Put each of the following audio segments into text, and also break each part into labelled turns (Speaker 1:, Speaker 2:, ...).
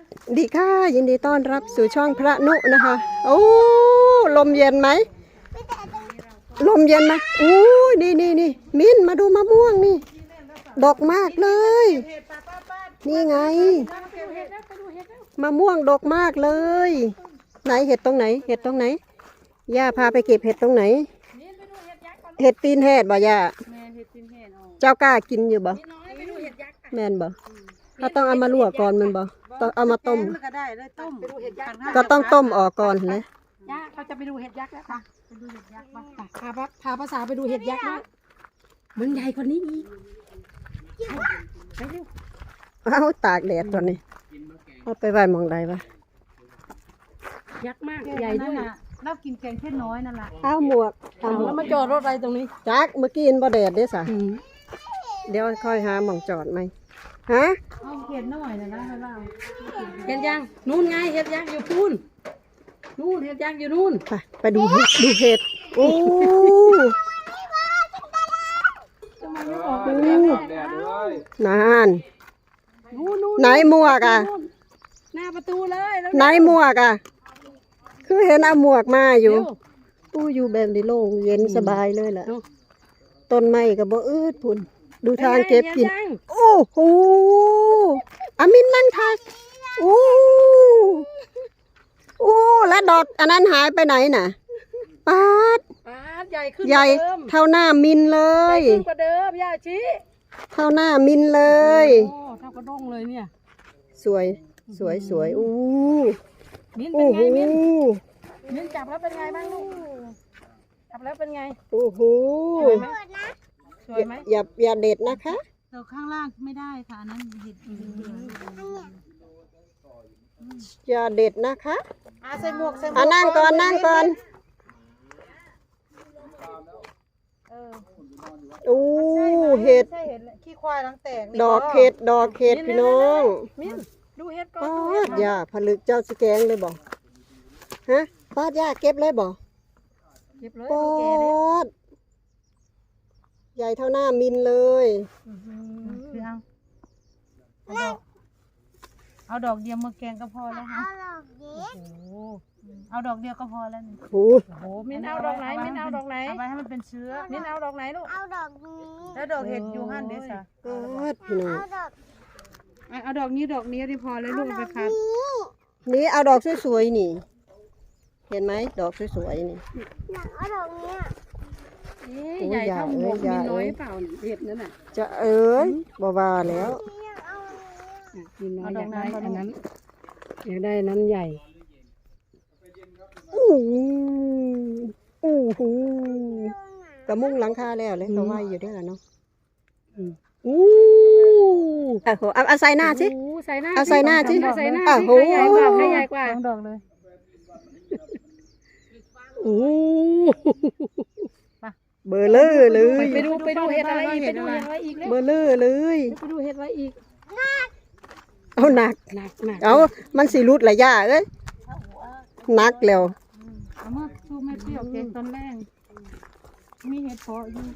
Speaker 1: ดีค่ะยินดีต้อนรับสู่ช่องพระนุนะคะโอ้ลมเย็นไหมลมเย็นไหมอู้นี่มิ้นมาดูมะม่วงนี่ดกมากเลยนี่ไงมะม่วงดกมากเลยไหนเห็ดตรงไหนเห็ดตรงไหนย่าพาไปเก็บเห็ดตรงไหนเห็ดตีนแหดบ่ย่าเจ้ากล้ากินอยู่บ่แม่นบ่ถ้าต้องเอามาลวกก่อนมันบ่ต้องเอามาต้มก็ต้องต้มออกก่อนเลย
Speaker 2: ย่าเขาจะไปดูเห็ดยักษ์แล้วค่ะไปดูเห็ดยักษ์บ้างพาภาษาไปดูเห็ดยักษ์ด้วยมันใหญ่กว่านี้อีกไปเร็ว
Speaker 1: เอาตากแดดตัวนี้เอาไปไว้มองใดวะ
Speaker 2: ยักษ์มากใหญ่ด้วยเรากินแกงแค่น้อยนั่นแหละ
Speaker 1: เอาหมวก
Speaker 2: แล้วมาจอดรถอะไรตรงนี้
Speaker 1: จักเมื่อกี้อินบ่แดดเด้สะเดี๋ยวค่อยหาหม่องจอดไหมฮะ
Speaker 2: เอาเห็ดหน่อยนะเราเห็ดยังนู่นไงเห็ดยักษ์อยู่พูนนู่นเห็ดยักษ์อยู่นู่น
Speaker 1: ไปดูเห็ดโอ้นานไหนหมวกอ่ะ
Speaker 2: หน้าประตูเลย
Speaker 1: ไหนหมวกอ่ะคือเห็นเอาหมวกมาอยู่ตู้อยู่แบบนี้โล่งเย็นสบายเลยแหละต้นไม้ก็บ่อืดพุ่นดูทางเก็บกินโอ้โหอามินนั่งทายโอ้แล้วดอกอันนั้นหายไปไหนน่ะปาด
Speaker 2: ใหญ่ขึ้น
Speaker 1: ใหญ่เท่าหน้ามินเลย
Speaker 2: ขึ้นกว่าเดิมย่าชี้
Speaker 1: เท่าหน้ามินเลย
Speaker 2: โอ้เท่ากระด้งเลยเนี่ย
Speaker 1: สวยอู้
Speaker 2: มิ้นเป็นไงมิ้นจับแล้วเป็นไงบ้างลูกจับแล้วเป็นไง
Speaker 1: โอ้โห
Speaker 2: สวยไหม
Speaker 1: อย่าเด็ดนะคะ
Speaker 2: เราข้างล่างไม่ได้ค่ะอันนั้นเห็ด
Speaker 1: อย่าเด็ดนะคะ
Speaker 2: ใส่หมวก
Speaker 1: นั่งก่อนอู้เห็ด
Speaker 2: ขี้ควายหลังแตก
Speaker 1: ดอกเห็ดพี่น้อง
Speaker 2: ดูเห็ดก่อน
Speaker 1: ป้าดย่าผลึกเจ้าสแกงเลยบ่ฮะป้าดย่าเก็บเลยบ่
Speaker 2: เก็บเลย
Speaker 1: ป้าดใหญ่เท่าหน้ามินเลย
Speaker 2: เอาดอกเดียวมาแกงก็พอแล้วค่ะเอาดอกเดียวก็พอแล้ว
Speaker 1: โอ้
Speaker 2: โหมิ้นเอาดอกไหนเอาไปให้มันเป็นเชื้อมิ้นเอาดอกไหนลูก
Speaker 3: เอาดอกนี้
Speaker 2: แล้วดอกเห็ดอยู่หั่นเดซ่า
Speaker 1: พี่น้อง
Speaker 2: เอาดอกนี้ที่พอเลยลูกไปคัด
Speaker 1: นี่เอาดอกสวยๆนี่เห็นไหมดอกสวยๆนี่
Speaker 3: อยากเอาดอกนี้
Speaker 2: ใหญ่เท่าหมวกมีน้อยเปล่าเห็ดนั่นน่ะ
Speaker 1: จะบ่ว่าแล้ว
Speaker 2: มีน้อยอยากได้อันนั้นอยากได้นั้นใหญ่
Speaker 1: กระมุ้งหลังคาแล้วเลยเขาไหวอยู่ด้วยล่ะเนาะเอาใส่หน้าสิเอาใส่หน้าสิ
Speaker 2: โอ้ใหญ่กว่าดอกเลย
Speaker 1: เบอร์เลอร์เลย
Speaker 2: ไปดูเห็ดอะไรอีก
Speaker 1: เบอร์เลอร์เลย
Speaker 2: ไปดูเห็ดอะไรอีก
Speaker 1: เอาหนักเอามันสีรุดหลายย่าเอ้ยหนักแล้ว
Speaker 2: เอามาสู้แม่เปรี้ยวเก่งตอนแรกมีเห็ดเพาะอยู่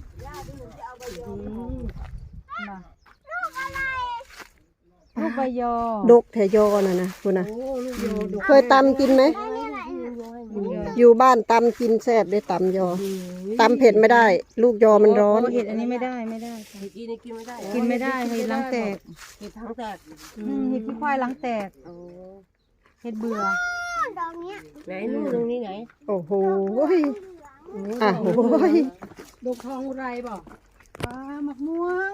Speaker 2: ลูกใบยอ
Speaker 1: ดกแถยอนะคุณนะเคยตำกินไหมอยู่บ้านตำกินแซ่บได้ตำยอตำเผ็ดไม่ได้ลูกยอมันร้อน
Speaker 2: เห็ดอันนี้ไม่ได้กินไม่ได้เห็ดล้างแตกเห็ดขี้ควายล้างแตกเห็ดเบื่อ
Speaker 3: ดอกนี้
Speaker 2: ไหนนู่นตรงนี้ไหน
Speaker 1: โอ้โห
Speaker 2: ดอกทองไรบอกมะม่วง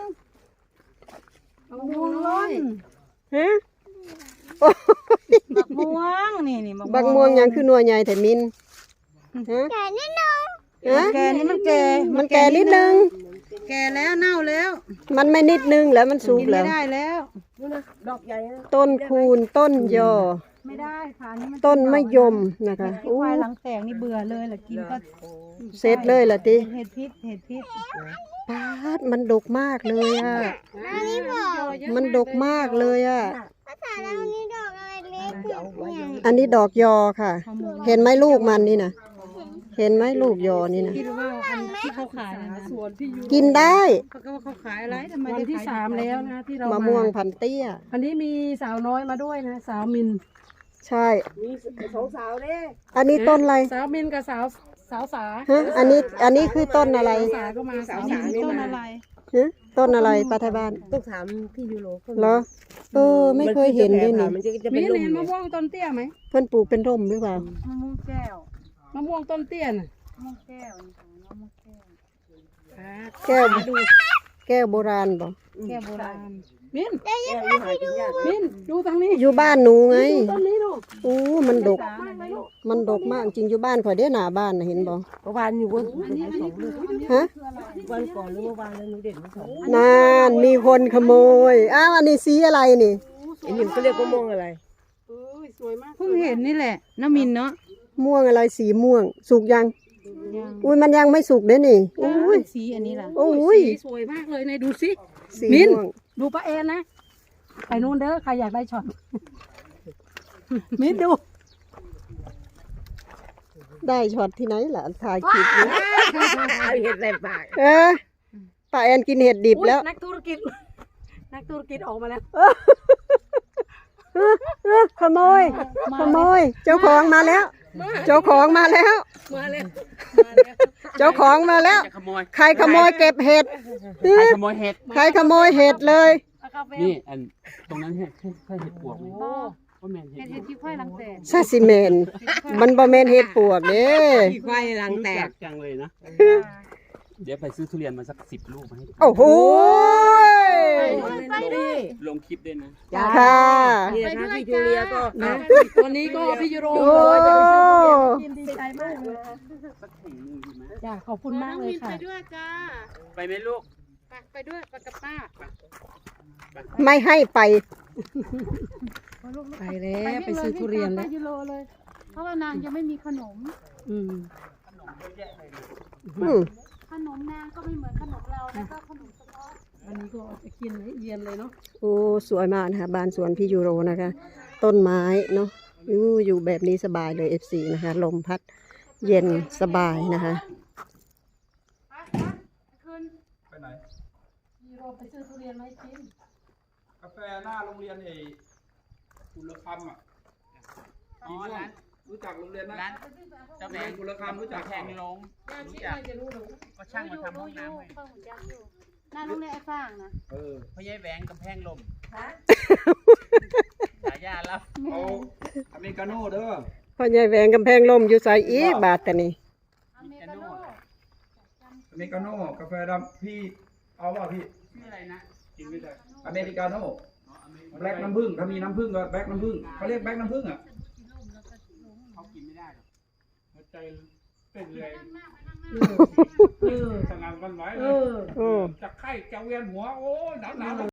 Speaker 2: ล้น
Speaker 1: ฮะ
Speaker 2: มะม่วงนี่
Speaker 1: บักม่วงยังคือนัวใหญ่แต่มิน
Speaker 3: แก่นิดนึง
Speaker 2: แก่นี่มันแก่
Speaker 1: นิดนึง
Speaker 2: แก่แล้วเน่าแล้ว
Speaker 1: มันไม่นิดนึงแล้วมันสุกแล้ว
Speaker 2: ไม่ได้แล้ว
Speaker 3: ดอกใหญ่
Speaker 1: ต้นคูณต้นยอ
Speaker 2: ไม่ได้ค่ะนี่มัน
Speaker 1: ต้นมะยมนะคะ
Speaker 2: ควายหลังแตกนี่เบื่อเลยแหละกินก็
Speaker 1: เสร็จเลยล่ะติ
Speaker 2: เห็ดพิษ
Speaker 1: ปาดมันดกมากเลยอ่ะมันดกมากเลยอ่ะ
Speaker 3: ภาษาเรานี่ดอกอะไรเล็ก
Speaker 1: อันนี้ดอกยอค่ะเห็นไหมลูกมันนี่นะเห็นไหมลูกยอนี่นะ
Speaker 2: คิดว่าอันที่เขาขายนะ
Speaker 4: ส่วนพี่ยู
Speaker 1: กินได้
Speaker 4: เขาก็ว่าเขาขายอะไรทำไม
Speaker 2: วันที่3แล้วนะที่เรา
Speaker 1: มะ
Speaker 2: มา
Speaker 1: ม่วงพันเตี้ย
Speaker 2: อันนี้มีสาวน้อยมาด้วยนะสาวมิน
Speaker 1: ใช่
Speaker 4: มีสองสาวเด้
Speaker 1: อันนี้ต้นอะไร
Speaker 2: สาวมินกับสาวสา
Speaker 1: ฮะอันนี้คือต้นอะไร
Speaker 2: สาก็มาสาว
Speaker 4: สา
Speaker 2: มิน
Speaker 4: นี่
Speaker 2: ต้น
Speaker 4: มา
Speaker 2: อะไร
Speaker 1: ฮะต้นอะไรปลาไทยบ้าน
Speaker 4: ต้องถามพี่ยูโร
Speaker 1: เหรอไม่เคยเห็นด้วยนี่
Speaker 4: มันจะ
Speaker 2: มี
Speaker 4: เป็นลม
Speaker 2: เห็นมะม่วงต้นเตี้ยไหม
Speaker 1: เพื่อนปลูกเป็นร่มหรือเปล่า
Speaker 4: มะม่วงแก้ว
Speaker 2: มะม่วงต้นเตี้ยน่ะ
Speaker 4: มะม่วงแก้วนี่ค่ะมะม่วงแก้ว
Speaker 1: แก้วแก้วโบราณบ่
Speaker 2: แก้วโบราณมิน
Speaker 4: แก้วนี่หากินยาก
Speaker 2: มินดูทางนี้
Speaker 1: อยู่บ้านหนูไง
Speaker 2: ต้นนี้ดู
Speaker 1: อู้มันดก
Speaker 2: มากเลยลูก
Speaker 1: มันดกมากจริงอยู่บ้านข่อยเด้หน้าบ้านน่ะเห็นบ่
Speaker 4: เมื่อวานอยู่บนสองลูก
Speaker 1: ฮะ
Speaker 4: วันก่อนหรือเมื่อวานแล้วหนูเด็ดมาสอง
Speaker 1: นานมีคนขโมยอ้าวอันนี้สีอะไรนี่
Speaker 4: ไอ้นี่เขาเรียกมะม่วงอะไร
Speaker 2: เอ้ยสวยมาก
Speaker 4: เพิ่งเห็นนี่แหละน้ำมินเนาะ
Speaker 1: ม่วงอะไรสีม่วง สุกยังอุ้ยมันยังไม่สุกเด้นี่อุ้ย
Speaker 4: สีอันนี้ล่ะ
Speaker 1: โอ้ย
Speaker 2: สีสวยมากเลยในดูสิ
Speaker 1: สี
Speaker 2: มิ้น
Speaker 1: ม่วง
Speaker 2: ดูป้าแอนนะไปนู่นเด้อใครอยากได้ช็อต มินดู
Speaker 1: ได้ช็อตที่ไหนล่ะถ่ายคลิปอยู่
Speaker 4: เอาเห็ดใส่ปาก
Speaker 1: ป้าแอนกินเห็ดดิบแล้ว
Speaker 2: นักธุรกิจ นักธุรกิจออกมาแล้ว
Speaker 1: ขโมย ขโมย เจ้าของมาแล้ว เจ้าของมาแล้ว
Speaker 2: มาแล้ว
Speaker 1: เจ้าของมาแล้ว
Speaker 5: จะขโมย
Speaker 1: ใครขโมยเก็บเห็ด
Speaker 5: ใครขโมยเห็ด
Speaker 1: ใครขโมยเห็ดเลย
Speaker 5: นี่อันตรงนั้นเห็ดใช่เห็ดปวกไหม
Speaker 2: โอ้
Speaker 5: ว่าแมนเห็ดปวก
Speaker 4: ที่ค่อยลังแตก
Speaker 1: ซาซิเมน มันบ่แม่นเห็ดปวกเด้
Speaker 4: ที่ค่อยลัง
Speaker 5: รู้
Speaker 4: แต
Speaker 5: จั
Speaker 4: ก
Speaker 5: กจังเลยนะ เดี๋ยวไปซื้อทุเรียนมาสัก10 ลูกมาให้
Speaker 1: โอ้โห
Speaker 5: ลงคลิปด้วยนะ
Speaker 1: ค่ะ
Speaker 4: นี่นะคะพี่จูเลียก็
Speaker 2: นะวันนี้ก็พี่ยูโร
Speaker 1: โอ้
Speaker 2: จะไปซื้อทุเรียนกินดีใจมากเลย
Speaker 5: สักถุงหนึงดีไหม
Speaker 2: จ้าขอบคุณมากเลยค่ะ
Speaker 4: ไปด้วยจ้า
Speaker 5: ไปไหมลูก
Speaker 4: ไปด้วยไปกับป้า
Speaker 1: ไม่ให้ไป
Speaker 2: ไปแล้วไปซื้อทุเรียนแล้ว
Speaker 4: ยูโรเลย เพราะว่านางยังไม่มีขนม
Speaker 2: อืม
Speaker 1: อืม
Speaker 4: ขนมนางก็ไม่เหมือนขนมเราแล้วก็ขนมเฉพาะ
Speaker 2: วันนี้ก็จะกินให้เย็นเลยเนาะ
Speaker 1: โอ้สวยมากนะคะบ้านสวนพี่ยูโรนะคะ ต้นไม้เนาะอยู่แบบนี้สบายเลย FC นะคะ ลมพัดเย็นสบายนะคะ
Speaker 6: ไปไหน
Speaker 2: ยูโรไปซื้อทุเรียนมาให้กิน
Speaker 6: กาแฟหน้าโรงเรียนกุลคำอ่ะ
Speaker 5: อ๋อร้าน
Speaker 6: รู้จักโรงเรียนนะ
Speaker 5: ร้านเจ้าแมง
Speaker 6: กุลคำรู้จัก
Speaker 5: แพงลงรู้จักก็ช่างมาทำห้องน้ำให้
Speaker 4: เข้าหุ่นยักษ์อยู่หน้าโรงเรียนไอ้ฟางนะ
Speaker 6: เออ
Speaker 5: พ่อใหญ่แหวงกำแพงลมฉายาแล้ว
Speaker 6: เอาอเมริกาโน่เด้อ
Speaker 1: พ่อใหญ่แหวงกำแพงลมอยู่ใส่อีกบาทแต่นี่
Speaker 4: อเมริกาโน่
Speaker 6: อเมริกาโน่กาแฟดำพี่เอาเปล่าพี่
Speaker 5: ชื่ออะไรนะ
Speaker 6: กินไม่ได้อเมริกาโน่แบล็กน้ำผึ้งถ้ามีน้ำผึ้งก็แบล็กน้ำผึ้งเขาเรียกแบล็กน้ำผึ้งอ่ะ
Speaker 5: เขากินไม่ได้หรอก
Speaker 6: หัวใจเป็นเลย
Speaker 2: เออ
Speaker 6: สง่าวันไหว
Speaker 2: เอ
Speaker 6: เลย
Speaker 2: อ
Speaker 1: โอ้
Speaker 6: จะไข้จะเวียนหัวโอ้ยหนาว